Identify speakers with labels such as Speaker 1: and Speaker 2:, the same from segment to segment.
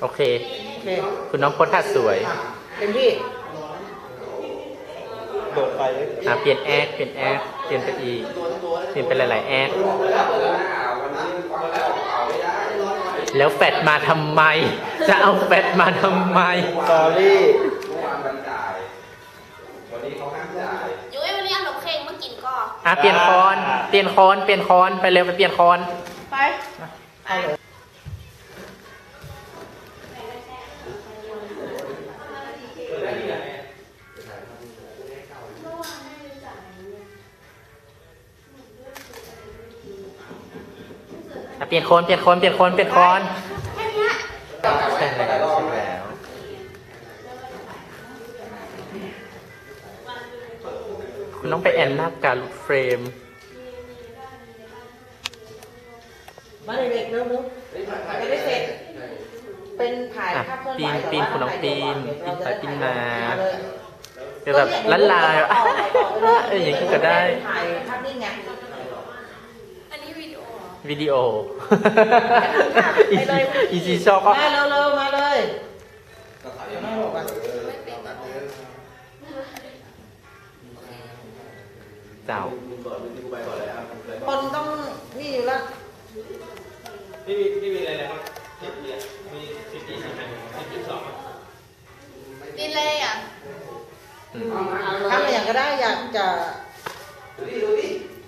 Speaker 1: โอเคคุณน้องโพสท่าสวย
Speaker 2: เต็มที่
Speaker 3: โดดไป
Speaker 1: เปลี่ยนแอคเปลี่ยนไปอีกเปลี่ยนไปหลายๆแอคแล้วแฟดมาทำไมจะเอาแฟดมาทำไม
Speaker 3: สอรี่
Speaker 4: ยุ้ยวันนี้เอาขนมเค้กมากินก่อน
Speaker 1: เปลี่ยนคอนไปเร็วไปเปลี่ยนคอน
Speaker 2: ไปเอาเลย
Speaker 1: เปลี่ยนโคนใช่แล้วคุณต้องไปแอนหน้าการลุดเฟรม
Speaker 2: มาเด็กๆเร็วๆไม่ได้เสร็จเป็นถ่ายภาพเคลื่อนไหว
Speaker 1: ปีนคุณน้องปีนไปปีนมาจะแบบลันลาอย่างนี้ก็ได้
Speaker 2: ถ่ายภาพนิ่งไง
Speaker 4: อันนี้วิดีโอ
Speaker 1: อีซีชอบก็
Speaker 2: มาเร็วๆมาเลย
Speaker 1: เจ้า
Speaker 2: คนต้องนี่อยู่แล้ว
Speaker 3: ไม่มีอะไรนะครับมี12
Speaker 4: ดินเลยอ่ะ
Speaker 2: ทำอะไรอย่างก็ได้อยากจะดูดิ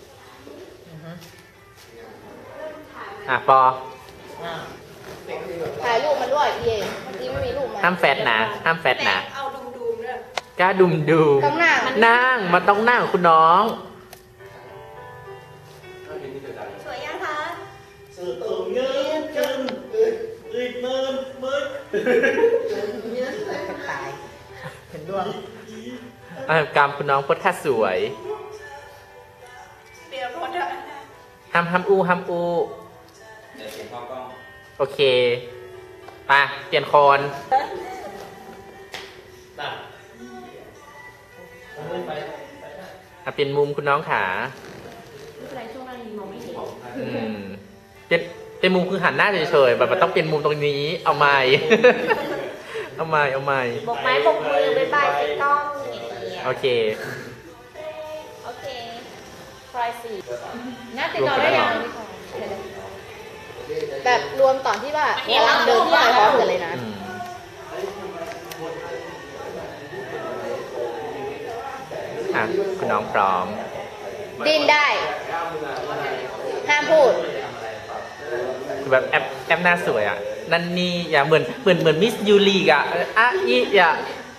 Speaker 1: ปอ
Speaker 4: ถ่ายรูปมาด้วยเย่ที่ไม่มีรูปมา
Speaker 1: ห้ามแฟดนะ
Speaker 4: เอาดุมๆด้วย
Speaker 1: กล้าดุมดู
Speaker 4: ต้องนั่ง
Speaker 1: มันต้องนั่งคุณน้อง
Speaker 4: สวยยังคะ
Speaker 3: เสือตัวเงี้ยกันอึดเมิน
Speaker 2: ตายเห็นดวง
Speaker 1: กรรมคุณน้องโพสท่าสวย
Speaker 4: เดี๋ยวพอเถอะ
Speaker 1: ห้ามอูโอเคไปเปลี่ยนโคนเปลี่ยนมุมคุณน้องขา
Speaker 4: อะไรช่วงนั้นมองไม่เห็
Speaker 1: นเป็นมุมคือหันหน้าเฉยๆแบบมันต้องเป็นมุมตรงนี้เอาใหม่เอาใหม่
Speaker 4: บอกไม้บอกมือบ๊ายบายติดกล้อง
Speaker 1: โอเค
Speaker 4: ทรายสี่น่าติดต่อได้ยังแบบรวมตอนที่ว่าเดินที่พร้อมกันเลยนะ
Speaker 1: คุณน้องพร้อม
Speaker 4: ดิ้นได้ห้ามพูด
Speaker 1: แบบแอปหน้าสวยนั่นนี่อย่าเหมือนมิสยูรีอย่า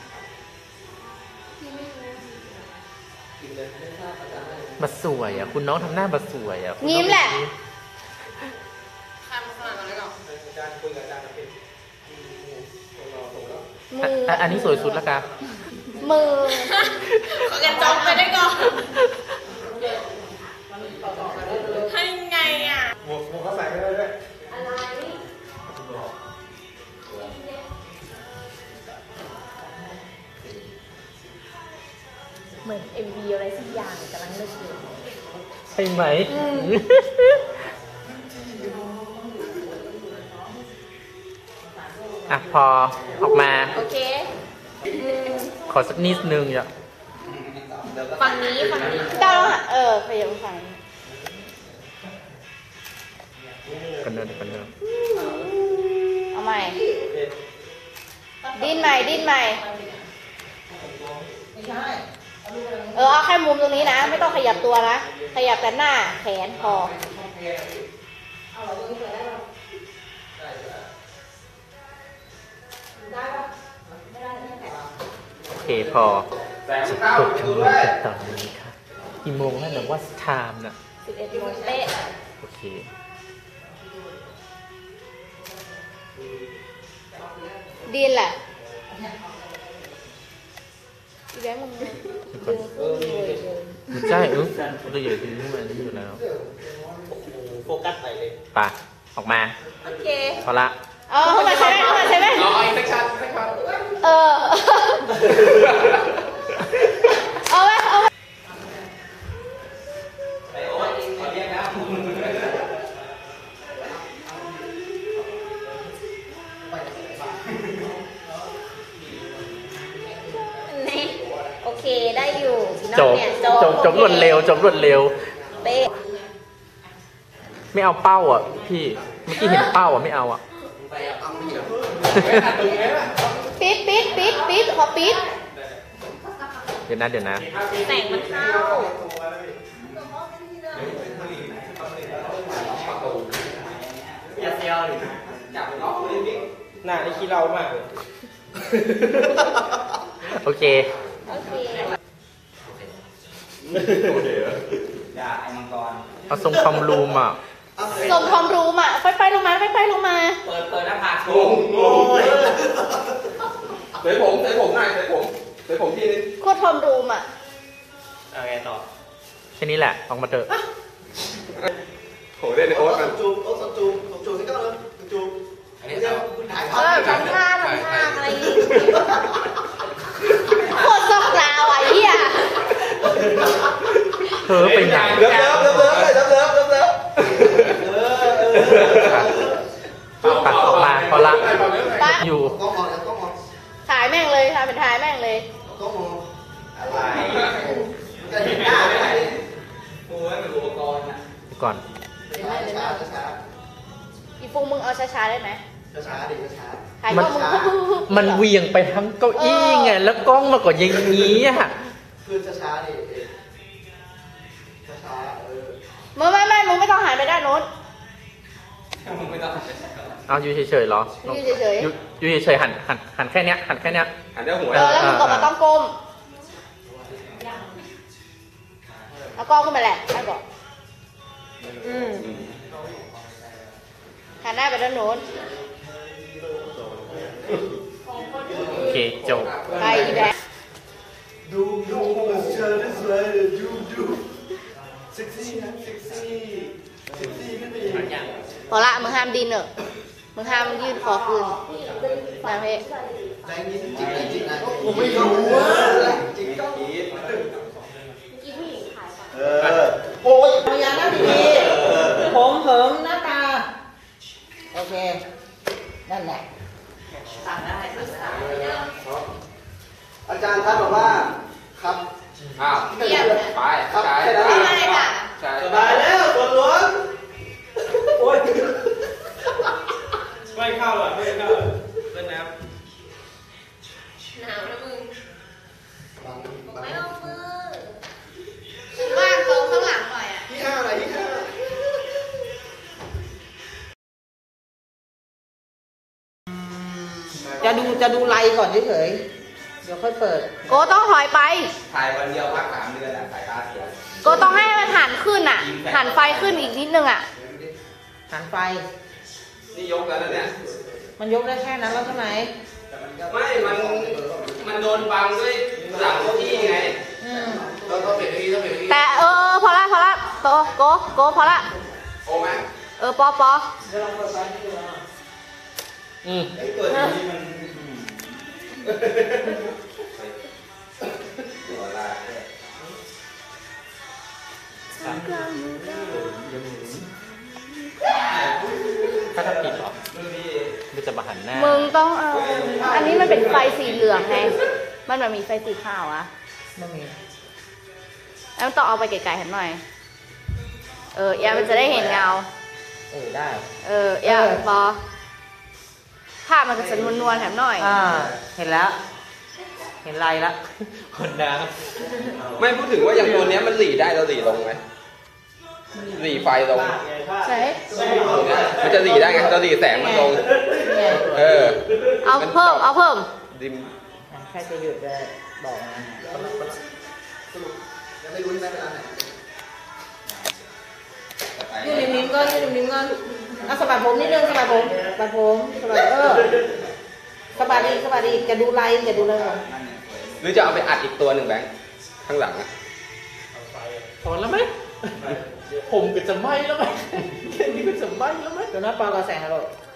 Speaker 1: มาสวยคุณน้องทำหน้ามาสวย
Speaker 4: ยิ้มแหละ
Speaker 1: อันนี้สวยสุดแล้วกัน
Speaker 4: มือขอกันจองไปได้ก่อนให้ไง
Speaker 3: หมวกเขาใส่ไม่ได้ด้วย
Speaker 4: อะไรเหมือน MV อะไรสักอย่างกำลังเลือกอยู่
Speaker 1: ใช่ไหมพอออกมา
Speaker 4: โอเค
Speaker 1: ขอสักนิดนึง
Speaker 4: ฝั่งนี้ต้องพยายามฝั่ง
Speaker 1: กันเดิน
Speaker 4: เอาใหม่ดิ้นใหม่เอาแค่มุมตรงนี้นะไม่ต้องขยับตัวนะขยับแต่หน้าแขนพอ
Speaker 1: โอเคพอจะกดทำงานกันต่อนี้ค่ะกี่โมงแล้วนะว่าไทม์น่ะ
Speaker 4: 11 โมงเป๊ะ
Speaker 1: โอเค
Speaker 4: ดีนแหละอีแบงค์มึงดึง
Speaker 1: มันใช่ตัวใหญ่ขึ้นมานี่อยู่แล้ว
Speaker 3: โฟกัสไปเลย
Speaker 1: ป่ะออกมา
Speaker 4: โอเค
Speaker 1: พอละ
Speaker 4: เข้ามาใช่ไหม
Speaker 3: รออีกสักช็อต
Speaker 4: เอาไว้
Speaker 1: จบ
Speaker 4: เนี่ย
Speaker 1: จบรวดเร็วจบรวดเร็ว
Speaker 4: เป๊ะ
Speaker 1: ไม่เอาเป้าอ่ะพี่เมื่อกี้เห็นเป้าอ่ะไม่เอาอ่ะ
Speaker 4: ปิดขอปิด
Speaker 1: เดี๋ยวนะ
Speaker 4: แสงมันเข้า
Speaker 3: อย่าเซียวดิจับน้องเลยพี่หน้านี่ขี้เรามากเลย
Speaker 1: โอเค
Speaker 4: โอเค
Speaker 3: อย่าไอ้มังกร
Speaker 1: เอาทรงคอมรูมอ่ะ
Speaker 4: สมความรู้มาไปลงมาไปลงมา
Speaker 3: เปิดหน้าผากโชว์โอ้ยเสยผมหน่อยเสยผมทีนึง
Speaker 4: โคตรทอมรูมอ่ะ
Speaker 3: เอาไงต่อ
Speaker 1: แค่นี้แหละออกมาเถอะ
Speaker 3: โหเล่นในโอ๊ตมัน
Speaker 5: จูที่ก็เลยจูอันนี้จะถ่าย
Speaker 4: ทำท่าอะไรอย่างงี้โคตรซอกลาวอ่ะเหี้ย
Speaker 1: เธอไปไหน
Speaker 5: เลิฟ
Speaker 1: ตัดออกมาพอละอยู่
Speaker 5: ต้องมองต้องมอง
Speaker 4: ถ่ายแม่งเลยทำเป็นถ่ายแม่งเลย
Speaker 5: ต้องมองอะไรจะเห็นหน้าไหม
Speaker 3: โอ้ยเป็นอุปกรณ์นะ
Speaker 1: ก่อน
Speaker 5: ช้า
Speaker 4: อีฟูมึงเอาช้าๆได้ไหม
Speaker 5: ช้าดิช้า
Speaker 4: ถ่ายกล้องมึงฮึบ
Speaker 1: มันเหวี่ยงไปทั้งเก้าอี้ไงแล้วกล้องมาก็อย่างนี้อ่ะ
Speaker 5: คือช้าดิช้า
Speaker 4: มึงไม่ต้องหันไปด้านโน้น
Speaker 3: มึงไม่ต้อง
Speaker 1: เอาอยู่เฉยๆเหรอ
Speaker 4: อยู่เฉยๆ
Speaker 1: อยู่เฉยๆหันแค่เนี้ย
Speaker 3: หันได้หัว
Speaker 4: แล้วมึงก็มาต้องก้มเอากล้องขึ้นมาแหละให้ก่อนหันหน้าไปด้านโน้น
Speaker 1: โอเคจบ
Speaker 4: ไปอีแบง
Speaker 5: ดูเชิญได้สวยดูเซ็กซี่ขึ้นไปอีก
Speaker 4: พอละมึงห้ามดินเนอะมึงห้ามยืดคอขึ้นนะเพ่
Speaker 5: แรงนี้จริงนะผมไม่รู้ว่าจริงต้องโอ้ย
Speaker 2: พยายามนั่งดีๆผมเหิมหน้าตา โอเค นั่นแหละ
Speaker 5: อาจารย์ท่านบอกว่าครับ
Speaker 3: อ้าวไป
Speaker 5: ครับ
Speaker 3: ใช่
Speaker 5: แค่นั้น
Speaker 4: ไม่ได้ค่ะ
Speaker 3: ใช่
Speaker 5: สบายแล้วตัวล้วนโอ้ย
Speaker 3: ไม่เข้าหรอไม่เข้าเล่นน้
Speaker 4: หนาวนะมึงไม่เอามือว่างตรงข้างหลังหน่อยอ่ะ
Speaker 5: ที่ห้าอะไรที่ห้า
Speaker 2: จะดูไลน์ก่อนเฉยๆเดี๋ยวค่อยเปิด
Speaker 4: โกต้องถอยไป
Speaker 3: ำถ่ายวันเดียวพัก3 เดือนอ่ะสายตาเสีย
Speaker 4: โกต้องให้มันหันขึ้นอ่ะ หันไฟขึ้นอีกนิดนึงอ่ะ
Speaker 2: หันไฟ
Speaker 3: นี่ยกแล้วนะเนี่ย
Speaker 2: มันยกได้แค่นั้นแล้วใช่ไหม
Speaker 3: ไม่มันโดนบังด้วยหลังเก้าอี้ไง
Speaker 5: ต้องเปลี่ยนที่ต้องเปลี่ยนที่
Speaker 4: แต่พอละโกพอละ
Speaker 3: โอ้ไหม
Speaker 4: ปอ
Speaker 1: อืม
Speaker 3: ไอ้เปิดที่มันหัวลา
Speaker 1: ถ้าปิดเหรอมันจะมาหันหน้า
Speaker 4: มึงต้องเอาอันนี้มันเป็นไฟสีเหลืองไงมันแบบมีไฟสีขาวอ่ะ
Speaker 2: ไม่มี
Speaker 4: แล้วมันต้องเอาไปไกลๆเห็นหน่อยยามันจะได้เห็นเงา
Speaker 2: ได้
Speaker 4: ยาพอภาพมันก็จะนวลๆแถมหน่อย
Speaker 2: เห็นแล้ว เห็นไลน์แล้ว
Speaker 1: คนดัง
Speaker 3: ไม่พูดถึงว่าอย่างตัวเนี้ยมันหลีได้เราหลีลงไหมหลีไฟลง
Speaker 4: ใช่
Speaker 3: มันจะหลีได้ไงเราหลีแสงมันลง
Speaker 4: เอาเพิ่ม
Speaker 3: ดิม
Speaker 2: แค่จะหยุดจะบอกนะ
Speaker 5: ยังไม่รู้ใช่ไหมเวลาไหน
Speaker 2: ยืดนิ้มๆก่อนเอาสะบัดผมนิดนึงสะบัดผมสะบัดสะบัดอีกจะดูไลน์ก่อน
Speaker 3: หรือจะเอาไปอัดอีกตัวหนึ่งแบงค์ข้างหลังอะ
Speaker 1: พอแล้วไหมผมก็จะไหม้แล้วไหมแค่นี้ก็จะไหม้แล้วไหม
Speaker 2: เดี๋ยวน้าปอกระแสงฮัลโหล